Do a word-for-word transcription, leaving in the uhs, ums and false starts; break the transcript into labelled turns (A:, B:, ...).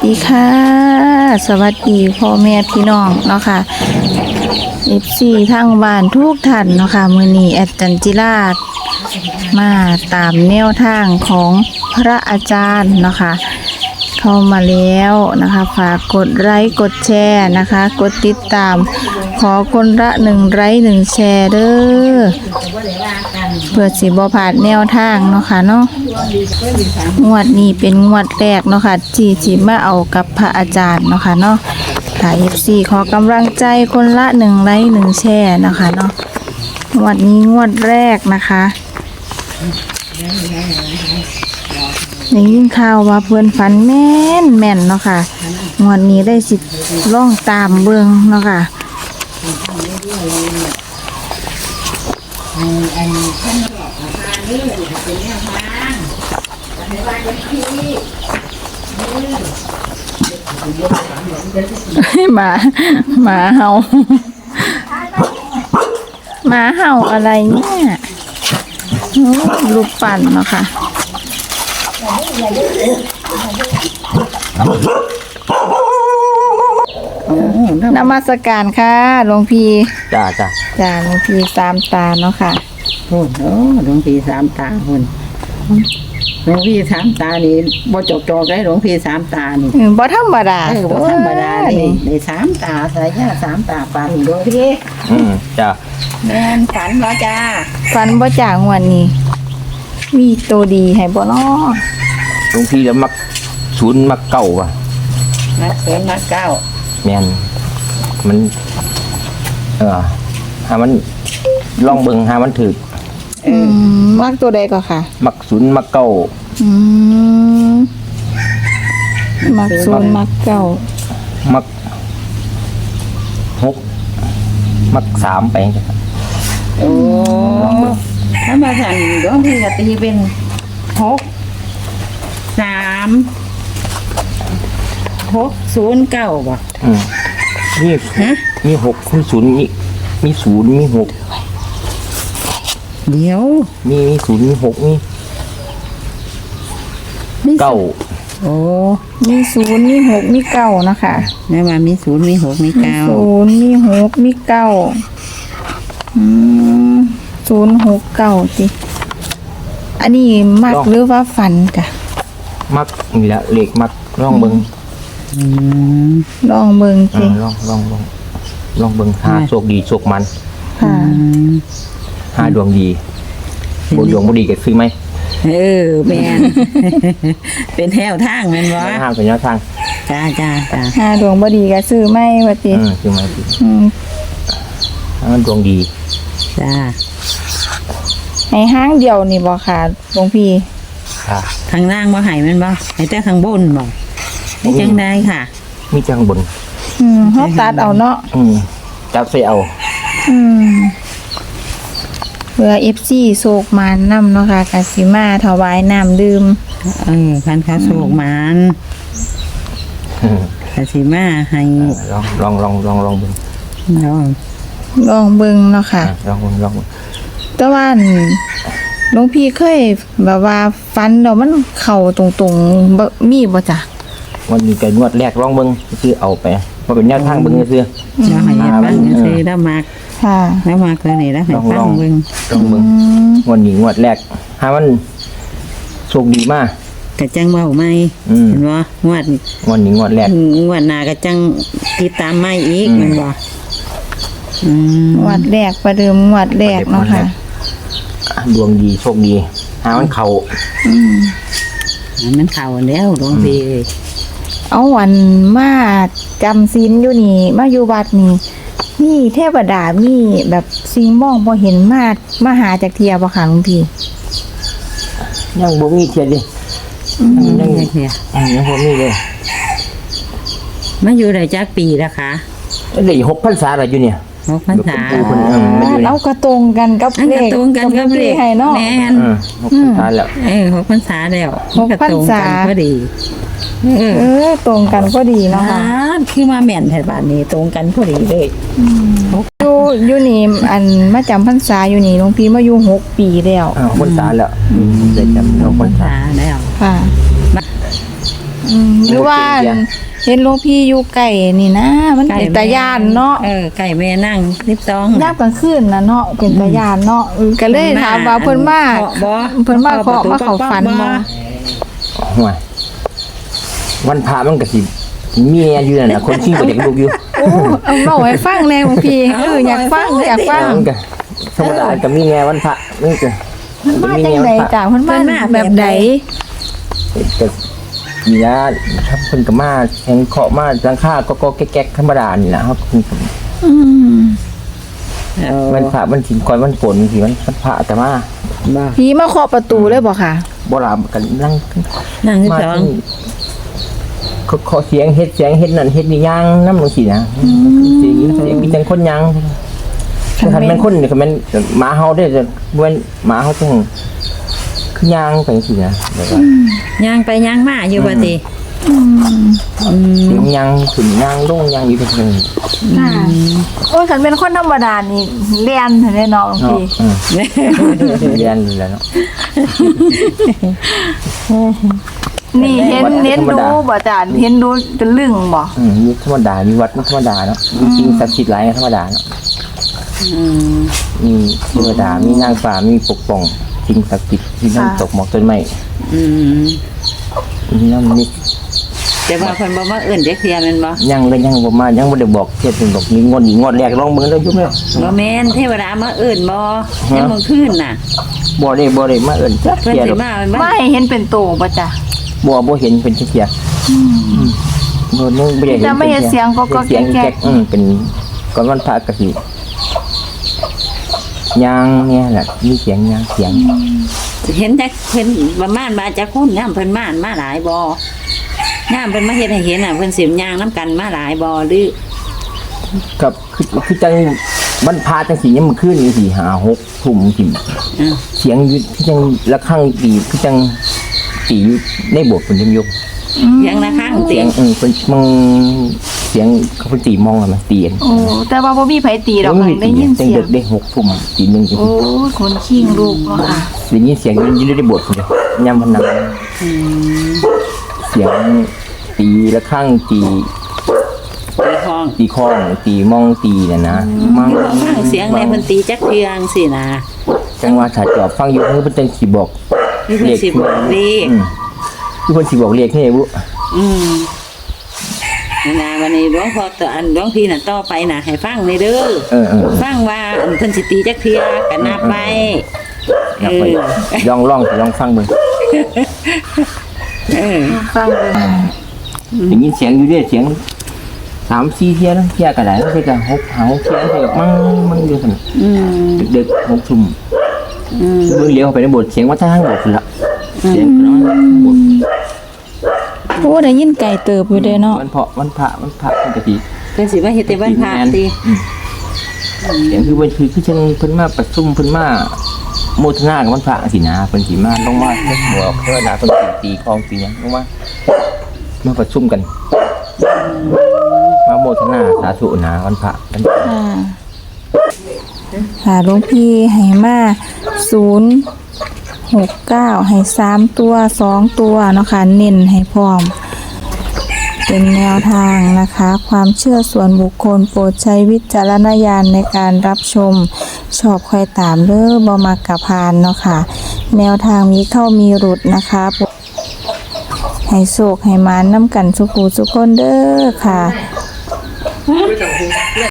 A: ดีค่ะสวัสดีพ่อแม่พี่น้องเนาะค่ะ เอฟ ซี ทางบ้านทุกท่านเนาะค่ะมื้อนี้แอดจันจิราชมาตามแนวทางของพระอาจารย์เนาะค่ะเข้ามาแล้วนะคะฝากกดไลค์กดแชร์นะคะกดติดตามขอคนละหนึ่งไลค์หนึ่งแชร์เด้อเพื่อสิบ่พลาดแนวทางเนาะค่ะเนาะงวดนี้เป็นงวดแรกเนาะค่ะที่สิมาเอากับพระอาจารย์เนาะค่ะเนาะค่ะ เอฟ ซี ขอกำลังใจคนละหนึ่งไลค์หนึ่งแชร์เนาะค่ะเนาะงวดนี้งวดแรกนะคะได้ยินข่าวว่าเพื่อนฝันแม่นแม่นเนาะค่ะงวดนี้ได้สิล่องตามเบิ่งเนาะค่ะหมาหมาเห่าหมาเห่าอะไรเนี่ยลูกปั่นเนาะค่ะนมัสการค่ะหลวงพี่
B: จ้าจ้า
A: จ้าหลวงพี่สามตาเนาะค่ะ
C: โอ้โหหลวงพี่สามตาคนหลวงพี่สามตานี่บ่จกจอกได้หลวงพี่สามตานี่
A: บ่ธรรมดา
C: เออบ่ธรรมดานี่ในสามตาสายญาสามตาปานหลวงพี่
B: อืมจ้า
C: แม่นฝันบ่จ้า
A: ฝันบ่จ้างวดนี้มีตัวดีให้บ่เนาะ
B: หลวงพี่แล้วมักศูนย์มักเก่าว่ะ
C: นักเสือนักเก้า
B: แม่นมันเออหามันลองเบิ่งหามันถึก
A: อืมมักตัวใดก็ค่ะ
B: มักศูนย์มักเก่า
A: อืมมักศูนย์มักเก้า
B: มักหกมักสามไปจ้ะ
C: โอ้ถ้ามาสั่นหลวงพี่ก็ตีเป็นหกสามหกศูนย์เก้าบ่
B: อืมนี่มีหกมีศูนย์มีมีศูนย์มีหก
C: เดี๋ยว
B: มีมีศูนย์มีหกมีเก้า
C: โอ้
A: มีศูนย์มีหกมีเก้านะคะ
C: แม่ว่ามีศูนย์มีหกมีเก้า
A: ศูนย์มีหกมีเก้าอืมศูนย์หกเก้าสิอันนี้มักหรือว่าฝันจ้ะ
B: มักนี่แหละเลขมักลองเบิ่ง
A: ลองเบิ่งสิ
B: ลองลองลองลองเบิ่งหาโชคดีโชคมัน
A: ค่ะ
B: หาดวงดีบ่ดวงบ่ดีก็ซื้อไหม
C: เออแม่นเป็นแถวทางแม่นบ่
B: ทางเป็นแนวทาง
C: จ้าจ้าจ้า
A: หาดวงบ่ดีก็ซื้อไหมว่าติ
B: อือซื้อไหม
A: อืม
B: ถ้ามันดวงดี
C: จ้า
A: ให้ห้างเดียวนี่บ่ค่ะหลวงพี่
B: ค่ะ
C: ทางล่างบ่ให้แม่นบ่ให้แต่ข้างบนบ่ให้จังได๋ค่ะ
B: มีจังบน
A: อืมเฮาตัดเอาเนาะ
B: อืมจับใส่เอา
A: อืมเพื่อ เอฟ ซี โศกมานนำเนาะค่ะกสิมาถวายน้ำดื่ม
C: เออพันค้าโศกมานกสิมาให้
B: ลองลองลองลองลองเบิ่ง
C: ลอง
A: ลองเบิ่งเนาะค่ะ
B: ลองลอง
A: แต่ว่าหลวงพี่เคยแบบว่าฟันแล้วมันเข้าตรงๆบ่มีบ่จ้ะ
B: วันนี้ก็นวดแรกลองเบิ่งซื้อเอาไปบ่เป็นแนวทางเบิ่งซื่อ
C: ๆจะให้เฮ็ดบ้างซื่อๆแล้วมัก
A: ค่ะ
C: แล้วมาคือนี่แล้วให้ฟังเบิ่ง
B: ลองเบิ่งวันนี้งวดแรกถ้ามันโชคดีมาก
C: กะจังเว้าใหม่เห็นบ่งวด
B: วันนี้งวดแรก
C: งวดหน้าก็จังติดตามใหม่อีกแม่นบ่
A: อืมงวดแรกประเดิมงวดแรกเนาะค่ะ
B: ดวงดีโชคดีหามันเข้า
A: อืม
C: มันเข้าแล้วหลวงพี่
A: เอาวันมาจำศีลอยู่นี่มาอยู่วัดนี่มีเทวดามีแบบสิ่งมองบ่เห็นมามาหาจากเทียบ่ค่ะหลวงพี่
B: ยังบ่มีเทียดิยังยังเทียยังบ่มีเลย
C: มาอยู่ได้จักปีแล้วคะ
B: ได้หกพรรษาแล้วอยู่เนี่ย
C: หกพรรษา
A: เอากระตรงกันกับเลข
C: ตรงกันกับเลข
A: ให้เนาะ
C: แม่น
B: หกพรรษาแล้ว
C: เออหกพรรษาแล้ว
A: หกพรรษา
C: พอดี
A: เออตรงกันพอดีเนาะค่ะ
C: คือมาแม่นแถวบ้านนี้ตรงกันพอดีเลย
A: อยู่อยู่นี่อันมาจำพรรษาอยู่นี่หลวงพี่มาอยู่หกปีแล้ว
B: อ้าวพรรษาแล้วได้จำเอาพรรษา
C: แล้ว
A: ค่ะอืมหรือว่าเห็นหลวงพี่อยู่ไก่นี่นะ มันเป็นตาย่านเนาะ
C: เออไก่แม่นั่งสิบสอง
A: ยามกลางคืนน่ะเนาะเป็นตาย่านเนาะเออก็เลยถามว่าเพิ่นมา
C: เคาะบ่
A: เพิ่นมาเคาะมาเข้าฝันบ่
B: ห่วยวันพระมันก็สิมีแม่อยู่นั่นน่ะคนชิงบ่เด็กลูกอยู่
A: โอ้เอาเล่าให้ฟังแน่หลวงพี่เอออยากฟังอยากฟัง
B: มันก็ธรรมดาก็มีแง่วันพระมันก็
A: มันมาจังไดจ้ะเพิ่นมาแบบใด
B: ก็มีนะครับเพิ่นก็มาแข่งเคาะมาจังค่าก็ก็แก๊กๆธรรมดานี่ล่ะครับ
A: อืม
B: วันพระวันสินก่อนวันฝนสิวันพระแต่มา
C: บ่
A: ผีมาเคาะประตูเลยบ่ค่ะ
B: บ่ล่ะกันนั่ง
C: นั่งสิบ
B: มา
C: สอง
B: เขาขอเสียงเฮ็ดเสียงเฮ็ดนั่นเฮ็ดนี่ย่างนำจังซี่นะเสียงเสียงมีจังคนย่างคือคันแม่นคนนี่ก็แม่นหมาเฮาได้จะบ่แม่นหมาเฮาจังคือย่างไปจังซี่นะแบบว่า
C: ย่างไปย่างมาอยู่บ่ติ
A: อืม
C: อืม
B: เสียงย่างขึ้นย่างลงย่างอยู่จังซี่
A: ค่ะโอ้ยคันเป็นคนธรรมดานี่เรียนเท่านั้นเนาะหลวง
B: เนาะ
A: พี่
B: อืมเรียนอยู่แล้วเนาะ
A: นี่เห็นเห็นดูบ่จ้ะเห็นดูจนลึงบ่
B: อืมมีธรรมดามีวัดมีธรรมดาเนาะมีจริงศักดิ์สิทธิ์หลายธรรมดาเนาะ
C: อืม
B: มีเทวดามีนางฟ้ามีปกป้องสิ่งศักดิ์สิทธิ์ที่น้ำตกหมอกต้นไม้
C: อืม
B: มีน้ำมี
C: แต่ว่าเพิ่นบ่มาเอิ้นจักเที่ยแม่นบ่
B: ยังเลยยังบ่มายังบ่ได้บอกเฮ็ดเป็นบอกมีงวดอีกงวดแรกลองเบิ่งเด้อยุ่มแล้ว
C: บ่แม่นเทวดามาเอิ้นบ่ยังมื้อคืนน่ะ
B: บ่ได้บ่ได้มาเอิ้นจัก
C: เพิ่น
B: เที่ย
C: สิ
B: ดอก
C: มาแม่นบ่
A: ไม่เห็นเป็นโตบ่จ้ะ
B: บ่บ่เห็นเป็นจักเที่ยอืมบ่นึงบ่ได้เห็น
A: แต่ไม่เห็นเสียงก็ก็
B: เสียง
A: แก๊
B: แก๊
A: ก
B: กอืมเป็นก่อนวันพระก็สิยางเนี่ยแหละมีเสียงยางเสียง
C: เห็นจักเพิ่นประมาณมาจักคนยามเพิ่นมามาหลายบ่ยามเพิ่นมาเฮ็ดให้เห็นน่ะเพิ่นสิย่างนํกันมาหลายบ่หรือ
B: กับคือคือจังบรรพาจังสียามมื้อคืนนี่สิห้าหกทุ่มสิ
C: อ่า
B: เสียงอยู่คือจังระฆังตีคือจังตีอยู่ในโบสถ์เพิ่นยังยก
C: เสียงระฆัง
B: เสี
C: เสี
B: ย
C: ย
B: ง
C: ง
B: เออเพิ่นมองเสียงเขาเพิ่นตีมองอะมันตีกัน
A: โอ้แต่ว่าบ่มีไผตีดอก
B: เออ
A: ได้ยิน
B: ตี
A: เสีย
B: ดึ
A: ง
B: กได้หกทุ่มตีหนึงจัง
A: โอ้ยคนขี้งลูกเนาะค่ะ
B: ได้ยินเสียงอยู่ในโบสถ์พุ่นเด้ยามมันนั่ง
C: อืม
B: เสียงตีระฆังตี
C: ตีห้อง
B: ตีข้องตีมองตีน่ะนะมัง
C: ฟังเสียงในเพิ่นตีจักเทืองสินะ
B: จังว่าถ้าจอบฟังอยู่เพิ่นจังสิบอก
C: นี่เพิ่นสิบอกเลข
B: อืมคือเพิ่นสิบอกเลขให้บุ
C: อืมนี่นะวันนี้หลวงพ่อตออันหลวงพี่น่ะต่อไปน่ะให้ฟังเลยเด้อ
B: เออเออ
C: ฟังว่าอันเพิ่นสิตีจักเทือก็นับไป
B: นับไป
C: เออ
B: ลองลองลองฟังเบิ่ง
C: เออ
A: ฟังเลย
B: ได้ยินเสียงอยู่เด้เสียงสามสี่เที่ยนะเที่ยก็ได้แล้วก็หกหาหกเที่ยก็มั่งมั่งอยู่ซั่น
C: อืม
B: ดึกหกทุ่ม
C: อืม
B: เบิ่งเลี้ยวเข้าไปในโบสถ์เสียงว่าทางโบสถ์พุ่นละเสียงเนาะโบสถ์
A: โอ้ได้ยินไก่เติบอยู่เด้เนาะ
B: วันเพาะวันพระวันพระเพิ่นก็สิ
C: เพิ่นสิมาเฮ็ดแต่วันพระติ
B: อืมเสียงคือเพิ่นคือคือจังเพิ่นมาประชุมเพิ่นมาโมทนากับวันพระสินะเพิ่นสิมาลงมาเฮ็ดหัวเทวดาเพิ่นสิตีของตีหยังลงมามาประชุมกัน มาโมทนาสาธุนะวันพระวันพระ
A: ค่ะค่ะหลวงพี่ให้มาศูนย์หกเก้าให้สามตัวสองตัวเนาะค่ะเน้นให้พร้อม เป็นแนวทางนะคะ ความเชื่อส่วนบุคคลโปรดใช้วิจารณญาณในการรับชม ชอบค่อยตามเด้อบ่มักกะพานเนาะค่ะ แนวทางมีเข้ามีหลุดนะคะ ให้โศกให้หมานน้ำกันสุขูสุขคนเด้อค่ะ